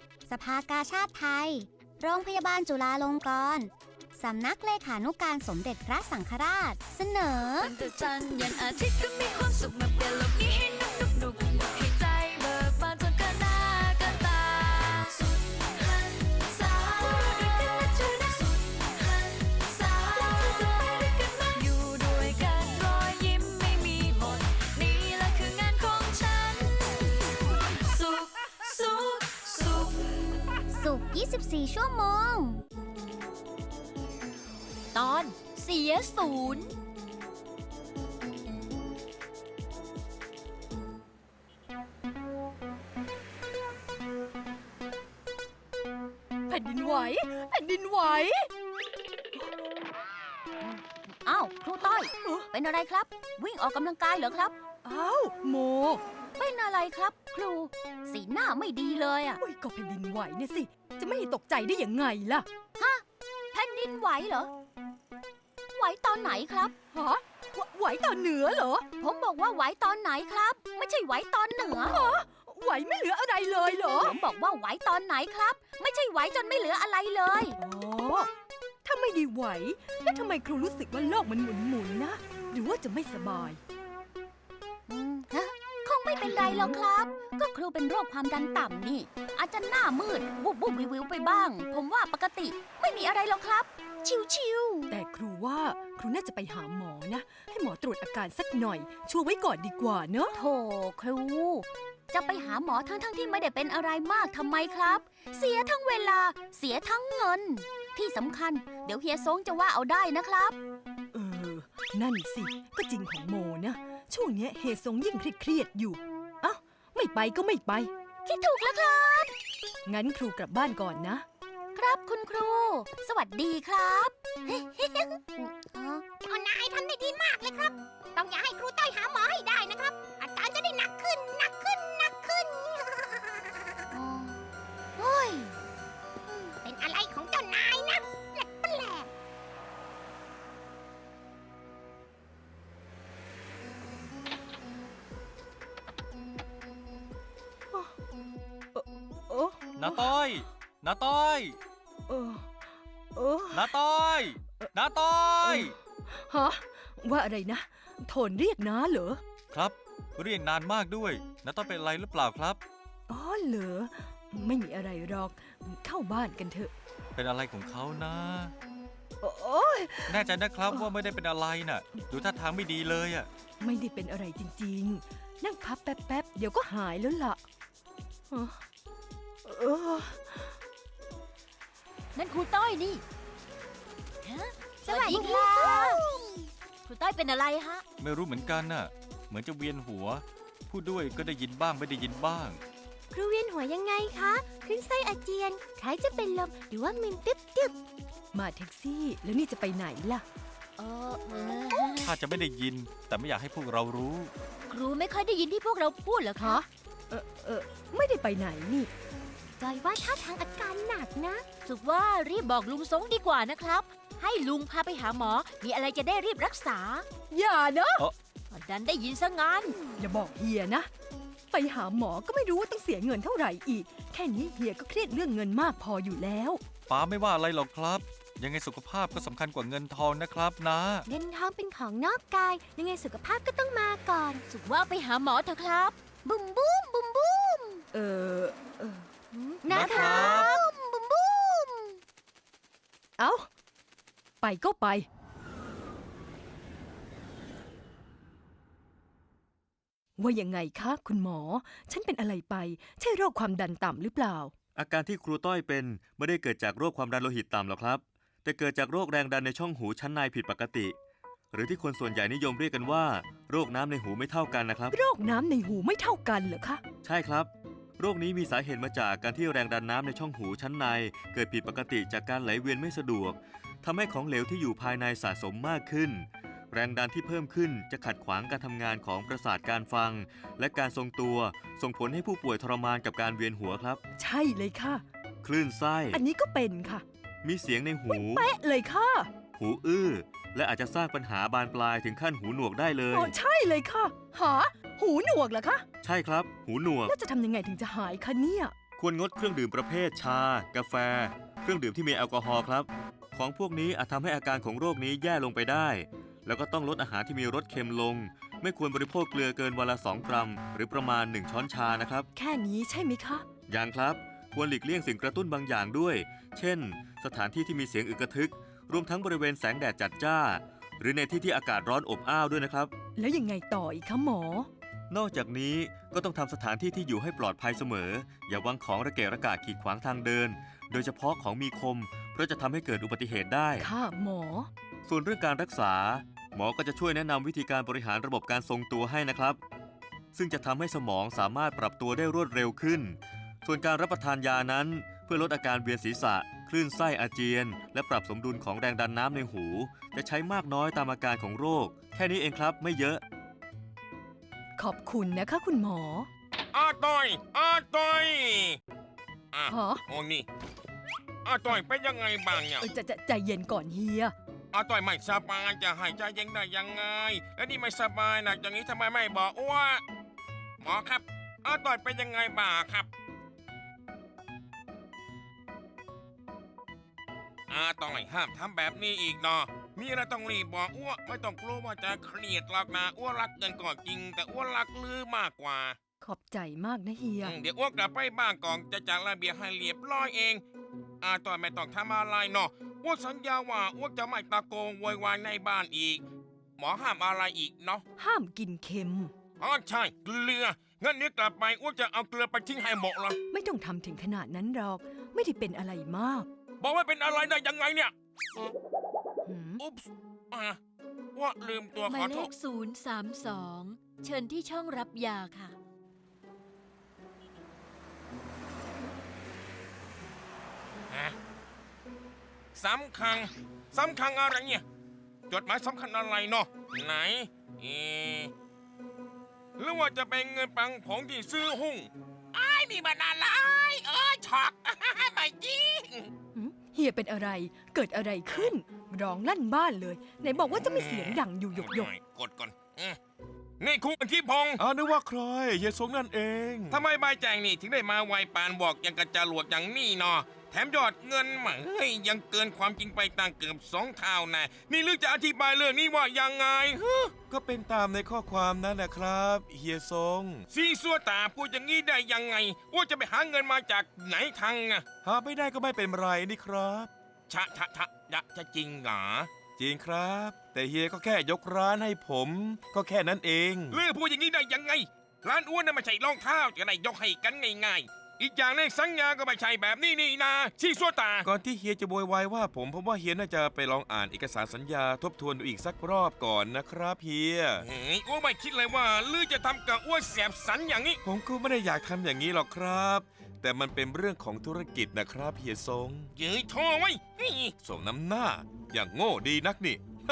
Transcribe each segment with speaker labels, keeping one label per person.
Speaker 1: สภากาชาดไทย โรงพยาบาลจุฬาลงกรณ์สำนักเลขานุการสมเด็จพระสังฆราช เสนอ
Speaker 2: ตั้งแต่จันทร์ยันอาทิตย์ก็มีความสุขมาเปลี่ยนโลกนี้ให้หนุกให้ใจเบิกบานจนเกินหน้าเกินตาสุดหันษาด้วยกันนะเธอนะสุดหันษาแล้วเธอจะไปด้วยกันไหมอยู่ด้วยกันรอยยิ้มไม่มีหมดนี่แหละคืองานของฉันสุขสุขสุข
Speaker 1: สุข 24 ชั่วโมง
Speaker 3: ตอนเสียศูนย์แผ่นดินไหวแผ่นดินไหวอ้าวครูต้อยเป็นอะไรครับวิ่งออกกำลังกายเหรอครับ
Speaker 4: อ้าวโม
Speaker 3: เป็นอะไรครับครูสีหน้าไม่ดีเลยอ่ะ
Speaker 4: อุ้ยก็แผ่นดินไหวเนี่ยสิจะไม่ตกใจได้ยังไงล่ะ
Speaker 3: แผ่นดินไหวเหรอไหวตอนไหนครับ
Speaker 4: ฮะไหวตอนเหนือเหรอ
Speaker 3: ผมบอกว่าไหวตอนไหนครับไม่ใช่ไหวตอนเหนือ
Speaker 4: ไหวไม่เหลืออะไรเลยเหรอ
Speaker 3: ผมบอกว่าไหวตอนไหนครับไม่ใช่ไหวจนไม่เหลืออะไรเลย
Speaker 4: อ๋อถ้าไม่ได้ไหวแล้วทำไมครูรู้สึกว่าโลกมันหมุนนะหรือว่าจะไม่สบาย
Speaker 3: คงไม่เป็นไรหรอกครับก็ครูเป็นโรคความดันต่ำนี่อาจจะหน้ามืดวุบวุบวิววิวไปบ้างผมว่าปกติไม่มีอะไรหรอกครับชิว
Speaker 4: ๆแต่ครูว่าครูน่าจะไปหาหมอนะให้หมอตรวจอาการสักหน่อยชัวร์ไว้ก่อนดีกว่าเนอะ
Speaker 3: โธ่ครูจะไปหาหมอทั้งที่ไม่ได้เป็นอะไรมากทำไมครับเสียทั้งเวลาเสียทั้งเงินที่สำคัญเดี๋ยวเฮียซงจะว่าเอาได้นะครับ
Speaker 4: นั่นสิก็จริงของโมนะช่วงนี้เฮซงยิ่งเครียดอยู่เอ้าไม่ไปก็ไม่ไป
Speaker 3: คิดถูกแล้วครับ
Speaker 4: งั้นครูกลับบ้านก่อนนะครับ
Speaker 3: คุณครูสวัสดีครับ
Speaker 1: นายทำได้ดีมากเลยครับต้องอย่าให้ครูต้อยหาหมอให้ได้นะครับอาการจะได้หนักขึ้น
Speaker 3: โอ้ย
Speaker 1: เป็นอะไรของเจ้านายนะแปลก
Speaker 5: น้าต้อยน้าต้อยน้าต้อยน้าต้อย
Speaker 4: ฮะว่าอะไรนะโทนเรียกน้าเหรอ
Speaker 5: ครับเรียกนานมากด้วยน้าต้อยเป็นอะไรหรือเปล่าครับ
Speaker 4: อ๋อเหรอไม่มีอะไรหรอกเข้าบ้านกันเถอะ
Speaker 5: เป็นอะไรของเขานะ
Speaker 4: โอ้ย
Speaker 5: แน่ใจนะครับว่าไม่ได้เป็นอะไรน่ะดูท่าทางไม่ดีเลยอ่ะ
Speaker 4: ไม่ได้เป็นอะไรจริงๆนั่งพับแป๊บๆเดี๋ยวก็หายแล้วล่ะ
Speaker 3: นั่นครูต้อยนี่สวัสดีครับครูต้อยเป็นอะไรฮะ
Speaker 5: ไม่รู้เหมือนกันน่ะเหมือนจะเวียนหัวพูดด้วยก็ได้ยินบ้างไม่ได้ยินบ้าง
Speaker 1: ครูเวียนหัวยังไงคะขึ้นไส้อาเจียนคล้ายจะเป็นลมหรือว่ามึนตึ๊บ
Speaker 4: มาแท็กซี่แล้วนี่จะไปไหนล่ะ
Speaker 5: ถ้าจะไม่ได้ยินแต่ไม่อยากให้พวกเรารู้
Speaker 3: ครูไม่ค่อยได้ยินที่พวกเราพูดเหรอคะ
Speaker 4: ไม่ได้ไปไหนนี่
Speaker 1: จอยว่าท่าทางอาการหนักนะ
Speaker 3: สุกว่ารีบบอกลุงซงดีกว่านะครับให้ลุงพาไปหาหมอมีอะไรจะได้รีบรักษา
Speaker 4: อย่านะ
Speaker 3: ดันได้ยินซะงั้น
Speaker 4: อย่าบอกเฮียนะไปหาหมอก็ไม่รู้ว่าต้องเสียเงินเท่าไหร่อีกแค่นี้เฮียก็เครียดเรื่องเงินมากพออยู่แล้ว
Speaker 5: ป้าไม่ว่าอะไรหรอกครับยังไงสุขภาพก็สำคัญกว่าเงินทองนะครับนะ
Speaker 1: เงินทองเป็นของนอกกายยังไงสุขภาพก็ต้องมาก่อน
Speaker 3: สุกว่าไปหาหมอเถอะครับ
Speaker 1: บุ้มบุ้มบุ้มบุ้ม
Speaker 3: นะครับบุ้มบุ้ม
Speaker 4: เอ้าไปก็ไปว่ายังไงคะคุณหมอฉันเป็นอะไรไปใช่โรคความดันต่ำหรือเปล่า
Speaker 6: อาการที่ครูต้อยเป็นไม่ได้เกิดจากโรคความดันโลหิตต่ำหรอกครับแต่เกิดจากโรคแรงดันในช่องหูชั้นในผิดปกติหรือที่คนส่วนใหญ่นิยมเรียกกันว่าโรคน้ำในหูไม่เท่ากันนะครับ
Speaker 4: โรคน้ำในหูไม่เท่ากันเหรอคะ
Speaker 6: ใช่ครับโรคนี้มีสาเหตุมาจากการที่แรงดันน้ำในช่องหูชั้นในเกิดผิดปกติจากการไหลเวียนไม่สะดวกทำให้ของเหลวที่อยู่ภายในสะสมมากขึ้นแรงดันที่เพิ่มขึ้นจะขัดขวางการทำงานของประสาทการฟังและการทรงตัวส่งผลให้ผู้ป่วยทรมานกับการเวียนหัวครับ
Speaker 4: ใช่เลยค่ะ
Speaker 6: คลื่นไส้
Speaker 4: อันนี้ก็เป็นค่ะ
Speaker 6: มีเสียงในหู
Speaker 4: เป๊ะเลยค่ะ
Speaker 6: หูอื้อและอาจจะสร้างปัญหาบานปลายถึงขั้นหูหนวกได้เลย
Speaker 4: ใช่เลยค่ะหูหนวกเหรอคะ
Speaker 6: ใช่ครับหูหนวก
Speaker 4: แล้วจะทำยังไงถึงจะหายคะเนี่ย
Speaker 6: ควรงดเครื่องดื่มประเภทชา กาแฟ เครื่องดื่มที่มีแอลกอฮอล์ครับ ของพวกนี้อาจทำให้อาการของโรคนี้แย่ลงไปได้ แล้วก็ต้องลดอาหารที่มีรสเค็มลง ไม่ควรบริโภคเกลือเกินวันละ 2 กรัม หรือประมาณ 1 ช้อนชานะครับ
Speaker 4: แค่นี้ใช่ไหมคะ
Speaker 6: อย่างครับ ควรหลีกเลี่ยงสิ่งกระตุ้นบางอย่างด้วย เช่น สถานที่ที่มีเสียงอึกกระทึก รวมทั้งบริเวณแสงแดดจัดจ้า หรือในที่ที่อากาศร้อนอบอ้าวด้วยนะครับ
Speaker 4: แล้วยังไงต่ออีกคะหมอ
Speaker 6: นอกจากนี้ก็ต้องทำสถานที่ที่อยู่ให้ปลอดภัยเสมอ อย่าวางของระเกะระกะขีดขวางทางเดิน โดยเฉพาะของมีคม เพราะจะทำให้เกิดอุบัติเหตุได้
Speaker 4: ค่ะหมอ
Speaker 6: ส่วนเรื่องการรักษา หมอก็จะช่วยแนะนำวิธีการบริหารระบบการทรงตัวให้นะครับ ซึ่งจะทำให้สมองสามารถปรับตัวได้รวดเร็วขึ้น ส่วนการรับประทานยานั้น เพื่อลดอาการเวียนศีรษะ คลื่นไส้อาเจียน และปรับสมดุลของแรงดันน้ำในหู จะใช้มากน้อยตามอาการของโรค แค่นี้เองครับไม่เยอะ
Speaker 4: ขอบคุณนะคะคุณหมอ
Speaker 7: อาต้อยอ่ะ
Speaker 4: ฮะ
Speaker 7: โอ้นี่อาต้อยเป็นยังไงบ้างเนี่ย
Speaker 4: จะใจเย็นก่อนเฮีย
Speaker 7: อาต้อยไม่สบายจะหายใจเย็นได้ยังไง แล้วนี่ไม่สบายหนักอย่างนี้ทำไมไม่บอกอ้วหมอครับอาต้อยเป็นยังไงบ้างครับอาต้อยห้ามทำแบบนี้อีกเนาะมีอะไรต้องรีบบอกอ้วไม่ต้องกลัวว่าจะเครียดหรอกนะอ้วรักเงินก่อนจริง แต่อ้วรักลือมากกว่า
Speaker 4: ขอบใจมากนะเฮีย
Speaker 7: เดี๋ยวอ้วกกลับไปบ้านก่อนจะจัดระเบียบให้เรียบร้อยเองต่อยไม่ต้องทำอะไรเนาะอ้วกสัญญาว่าอ้วกจะไม่ตะโกนโวยวายในบ้านอีก หมอห้ามอะไรอีกเนาะ
Speaker 4: ห้ามกินเค็ม
Speaker 7: ใช่เกลืองั้นนี้กลับไปอ้วกจะเอาเกลือไปทิ้งให้หมดเลย
Speaker 4: ไม่ต้องทำถึงขนาดนั้นหรอก ไม่ได้เป็นอะไรมาก
Speaker 7: บอกว่าเป็นอะไรได้ยังไงเนี่ย
Speaker 4: หืม
Speaker 7: อุ๊บส์อ้วกลืมตัว
Speaker 2: ห
Speaker 7: ข
Speaker 2: มา
Speaker 7: อย โท
Speaker 2: เล
Speaker 7: ษ
Speaker 2: ข032 เชิญที่ช่องรับยาค่ะ
Speaker 7: สำคัญอะไรเนี่ยจดหมายสำคัญอะไรเนาะไหนหรือว่าจะเป็นเงินปังผงที่ซื้อหุ้งนี่มันอะไรช็อก ไม่จริง
Speaker 4: หืมเฮียเป็นอะไร เกิดอะไรขึ้น ร้องลั่นบ้านเลย ไหนบอกว่าจะไม่เสียงดังอยู่หยก
Speaker 7: กดก่อนนี่คุณอธิพงศ์
Speaker 8: นึกว่าใครเฮียสงนั่นเอง
Speaker 7: ทำไมใบแจงนี่ถึงได้มาไวปานบอกยังกระจรวดอย่างนี้เนาะแถมยอดเงินมาเฮ้ยยังเกินความจริงไปตั้งเกือบ2 เท่านะนี่ลึกจะอธิบายเรื่องนี้ว่ายังไง
Speaker 8: ก็เป็นตามในข้อความนั้นนะครับเฮียสง
Speaker 7: ซีซัวตาพูดอย่างนี้ได้ยังไงว่าจะไปหาเงินมาจากไหนทางอะ
Speaker 8: หาไม่ได้ก็ไม่เป็นไรนี่ครับ
Speaker 7: จะจริงเหรอ
Speaker 8: จริงครับ แต่เฮียก็แค่ยกร้านให้ผม ก็แค่นั้นเอง
Speaker 7: เลือพูดอย่างนี้ได้ยังไง ร้านอ้วนน่ะไม่ใช่รองเท้าจะได้ยกให้กันง่ายๆอีกอย่างเลขสัญญาก็ไม่ใช่แบบนี้นี่นาซีซัวตา
Speaker 8: ก่อนที่เฮียจะโวยวายว่าผมว่าเฮียน่าจะไปลองอ่านเอกสารสัญญาทบทวนดูอีกสักรอบก่อนนะครับเฮีย
Speaker 7: เฮ้ยอ้วนไม่คิดเลยว่าลือจะทำกับอ้วนแสบสันอย่างนี้
Speaker 8: ผมก็ไม่ได้อยากทำอย่างนี้หรอกครับ แต่มันเป็นเรื่องของธุรกิจนะครับเฮียสง
Speaker 7: เย้ยโทรไว้เฮ้ย
Speaker 8: ส่งน้ำหน้า อย่างโง่ดีนักนี่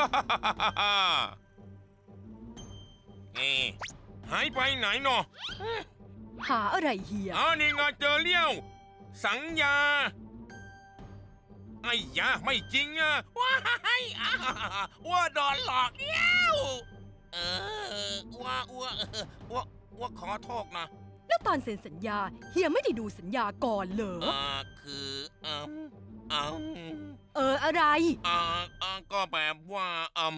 Speaker 7: หายไปไหนเนาะ
Speaker 4: ๆ หาอะไรเฮีย
Speaker 7: นี่ไงเจอเลี้ยว สัญญาไอ้ยาไม่จริงอะว้ายว่าโดนหลอกเลี้ยวว่าขอโทษนะ
Speaker 4: แล้วตอนเซ็นสัญญา เฮียไม่ได้ดูสัญญาก่อนเหรอ
Speaker 7: คือ
Speaker 4: อะไร
Speaker 7: ก็แบบว่า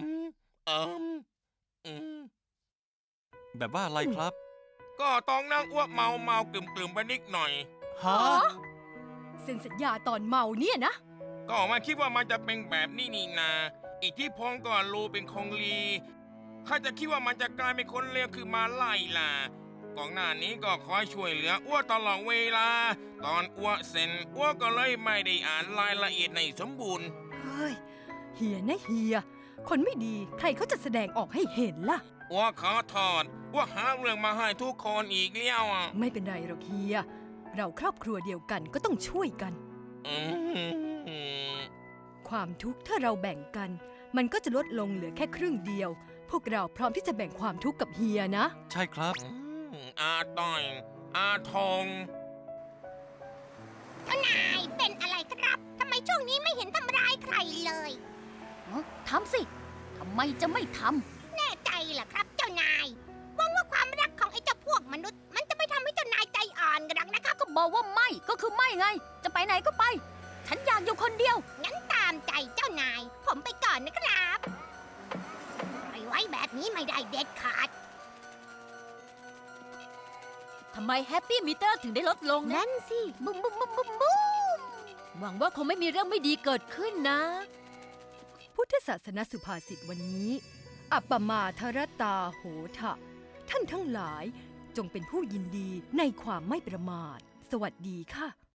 Speaker 5: แบบว่าอะไรครับ
Speaker 7: ก็ต้องนั่งอ้วกเมากลุ่มไปนิดหน่อย
Speaker 5: ฮะ
Speaker 4: เซ็นสัญญาตอนเมาเนี่ยนะ
Speaker 7: ก็มาคิดว่ามันจะเป็นแบบนี้นี่นาอิทธิพงศ์ก็รู้เป็นคงลีข้าจะคิดว่ามันจะกลายเป็นคนเลวคือมาไล่ล่ะก่อนหน้านี้ก็คอยช่วยเหลืออ้วตลอดเวลา ตอนอ้วเซ็นอ้วก็เลยไม่ได้อ่านรายละเอียดในสมบูรณ์
Speaker 4: เฮ้ย เฮียนะเฮีย คนไม่ดีใครเขาจะแสดงออกให้เห็นล่ะ
Speaker 7: อ้วขอโทษอ้วหาเรื่องมาให้ทุกคนอีกแล้วอ่ะ
Speaker 4: ไม่เป็นไรหรอกเฮีย เราครอบครัวเดียวกันก็ต้องช่วยกัน
Speaker 7: อืม
Speaker 4: ความทุกข์ถ้าเราแบ่งกัน มันก็จะลดลงเหลือแค่ครึ่งเดียว พวกเราพร้อมที่จะแบ่งความทุกข์กับเฮียนะ
Speaker 5: ใช่ครับ
Speaker 7: อาต้อยอาทอง
Speaker 1: นายเป็นอะไรครับ ทำไมช่วงนี้ไม่เห็นทำร้ายใครเลย
Speaker 3: ทำสิ ทำไมจะไม่ท
Speaker 1: แน่ใจเหรอครับเจ้านายหวังว่าความรักของไอ้เจ้าพวกมนุษย์ มันจะไม่ทำให้เจ้านายใจอ่อนกันหรอกนะครับ
Speaker 3: ำก็บบอกว่าไม่ก็คือไม่ไง จะไปไหนก็ไป ฉันอยากอยู่คนเดียว
Speaker 9: งั้นตามใจเจ้านาย ผมไปก่อนนะครับปล่อยไว้แบบนี้ไม่ได้เด็ดขาด
Speaker 10: ทำไมแฮปปี้มิเตอร์ถึงได้ลดลงนะ
Speaker 9: นั่นสิ
Speaker 3: บุ้มบุ้มบุ้มบุ้มบุ้ม
Speaker 10: หวังว่าคงไม่มีเรื่องไม่ดีเกิดขึ้นนะ
Speaker 4: พุทธศาสนสุภาษิตวันนี้ อัปปมาทรตาโหทะ ท่านทั้งหลายจงเป็นผู้ยินดีในความไม่ประมาท สวัสดีค่ะ